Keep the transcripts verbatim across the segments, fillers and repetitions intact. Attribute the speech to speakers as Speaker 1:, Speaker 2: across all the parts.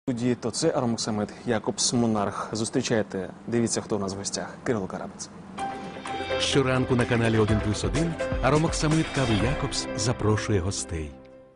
Speaker 1: Студії то це Аромоксамит, Якобс Монарх. Зустрічайте, дивіться, хто у нас в гостях. Кирило Карабець.
Speaker 2: Щоранку на каналі один плюс один Аромоксамит кави Якобс запрошує гостей.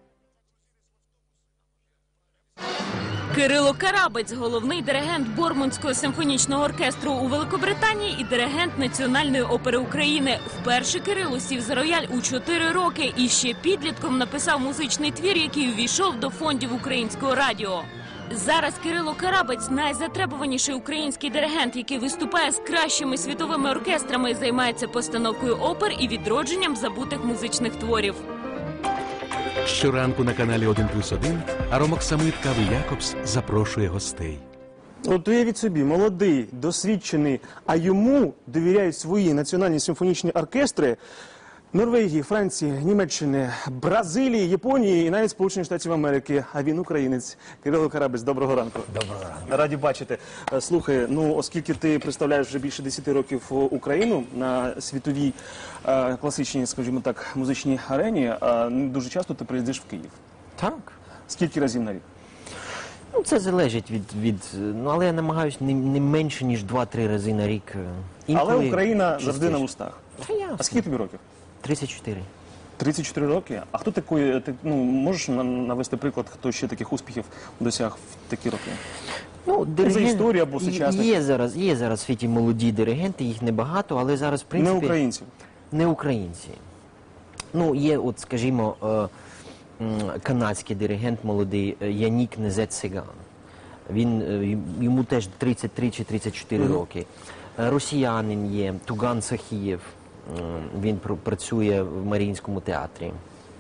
Speaker 3: Кирило Карабець – головний диригент Бормунського симфонічного оркестру у Великобританії і диригент Національної опери України. Вперше Кирило сів за рояль у чотири роки і ще підлітком написав музичний твір, який увійшов до фондів Українського радіо. Зараз Кирило Карабець – найзатребуваніший український диригент, який виступає з кращими світовими оркестрами, займається постановкою опер і відродженням забутих музичних творів.
Speaker 2: Щоранку на каналі один плюс один Аромоксамит кави Якобс запрошує гостей.
Speaker 1: От уявіть собі, молодий, досвідчений, а йому довіряють свої національні симфонічні оркестри Норвегії, Франції, Німеччини, Бразилії, Японії і навіть Сполучених Штатів Америки. А він українець. Кирило Карабець, доброго ранку.
Speaker 4: Доброго ранку.
Speaker 1: Раді бачити. Слухай, ну оскільки ти представляєш вже більше десяти років Україну на світовій е, класичній, скажімо так, музичній арені, е, дуже часто ти приїздиш в Київ.
Speaker 4: Так.
Speaker 1: Скільки разів на рік?
Speaker 4: Ну, це залежить від, від... Ну, але я намагаюся не, не менше, ніж два-три рази на рік. Інколи
Speaker 1: Але Україна
Speaker 4: частіше.
Speaker 1: завжди на вустах.
Speaker 4: Та ясно.
Speaker 1: А скільки тобі років?
Speaker 4: тридцять чотири.
Speaker 1: тридцять чотири роки? А хто такий, ти, ну, можеш навести приклад, хто ще таких успіхів досяг в такі роки?
Speaker 4: Ну, диригент...
Speaker 1: За історію або сучасних?
Speaker 4: Є зараз, є зараз в світі молоді диригенти, їх небагато, але зараз, в принципі...
Speaker 1: Не українців?
Speaker 4: Не українці. Ну, є, от, скажімо, е, канадський диригент молодий Янік Незет-Сеган. Він, йому теж тридцять три чи тридцять чотири mm-hmm. роки. Росіянин є, Туган Сахієв. Він пр працює в Маріїнському театрі.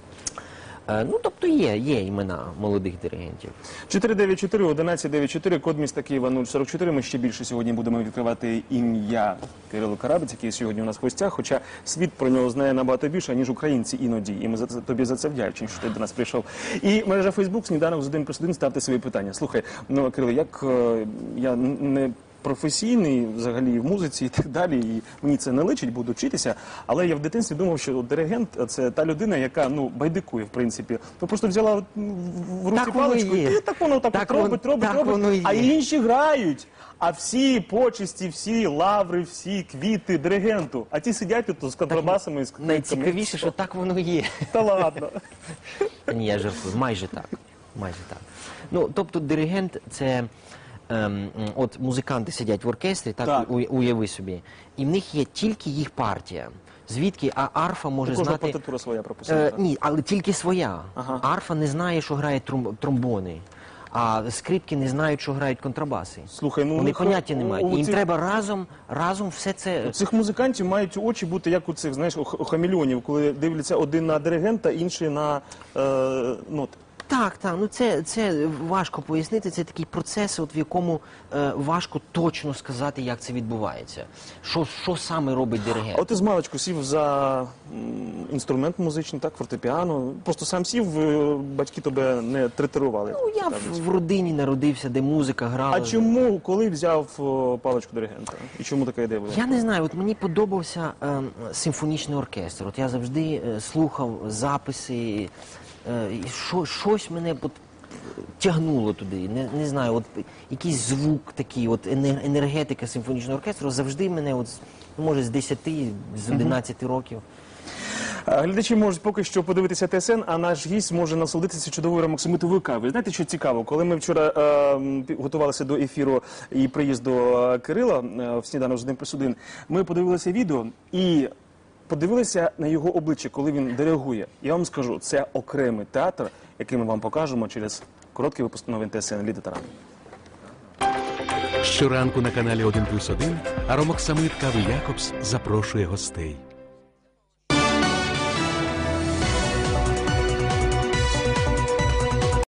Speaker 4: Е, ну, тобто є, є імена молодих диригентів.
Speaker 1: чотири дев'ять чотири одинадцять дев'ять чотири, код міста Києва нуль сорок чотири. Ми ще більше сьогодні будемо відкривати ім'я Кирило Карабець, який сьогодні у нас в гостях, хоча світ про нього знає набагато більше, ніж українці іноді. І ми за це, тобі за це вдячні, що ти до нас прийшов. І мережа Фейсбук, сніданок з один плюс один, ставте свої питання. Слухай, ну, Кирило, як е, я не... професійний, взагалі, в музиці і так далі, і мені це не личить, буду вчитися, але я в дитинстві думав, що диригент – це та людина, яка, ну, байдикує, в принципі. Ну, просто взяла в руці
Speaker 4: так
Speaker 1: паличку, і так воно так, так от робить, робить,
Speaker 4: так
Speaker 1: робить, а інші грають. А всі почесті, всі лаври, всі квіти диригенту, а ті сидять тут з контрабасами і з квітками.
Speaker 4: Найцікавіше, що так воно є.
Speaker 1: Та ладно.
Speaker 4: Ні, я жартую, майже так, майже так. Ну, тобто диригент – це... Ем, от музиканти сидять в оркестрі, так,
Speaker 1: так.
Speaker 4: У, уяви собі, і в них є тільки їх партія. Звідки, а арфа може
Speaker 1: Кожна
Speaker 4: знати...
Speaker 1: партитура своя прописана.
Speaker 4: Е, ні, але тільки своя.
Speaker 1: Ага.
Speaker 4: Арфа не знає, що грає тром, тромбони, а скрипки не знають, що грають контрабаси.
Speaker 1: Слухай, ну,
Speaker 4: Вони
Speaker 1: них,
Speaker 4: поняття не мають.
Speaker 1: у
Speaker 4: Їм
Speaker 1: цих...
Speaker 4: треба разом, разом все це...
Speaker 1: У цих музикантів мають очі бути, як у цих, знаєш, у хамелеонів, коли дивляться один на диригента, інший на е, ноти.
Speaker 4: Так, так, ну це, це важко пояснити, це такий процес, от в якому е, важко точно сказати, як це відбувається. Що, що саме робить диригент?
Speaker 1: А от ти з маличку сів за м, інструмент музичний, так, фортепіано, просто сам сів, е, батьки тебе не третирували.
Speaker 4: Ну, я в, в родині народився, де музика грала.
Speaker 1: А чому, коли взяв о, паличку диригента? І чому така ідея була?
Speaker 4: Я не знаю, от мені подобався е, симфонічний оркестр. От я завжди е, слухав записи, е, і шо, щось мене от, тягнуло туди. Не, не знаю, от якийсь звук такий, от енергетика симфонічного оркестру завжди мене, от, може, з десяти, з одинадцяти років.
Speaker 1: Глядачі можуть поки що подивитися Т С Н, а наш гість може насолодитися чудовою аромоксамитовою кавою. Знаєте, що цікаво? Коли ми вчора е, готувалися до ефіру і приїзду Кирила е, в сніданок з один плюс один, ми подивилися відео і подивилися на його обличчя, коли він диригує. Я вам скажу, це окремий театр, який ми вам покажемо через короткий випуск новин Т С Н «Ліда Таран».
Speaker 2: Щоранку на каналі один плюс один Аромоксамит кави Якобс запрошує гостей.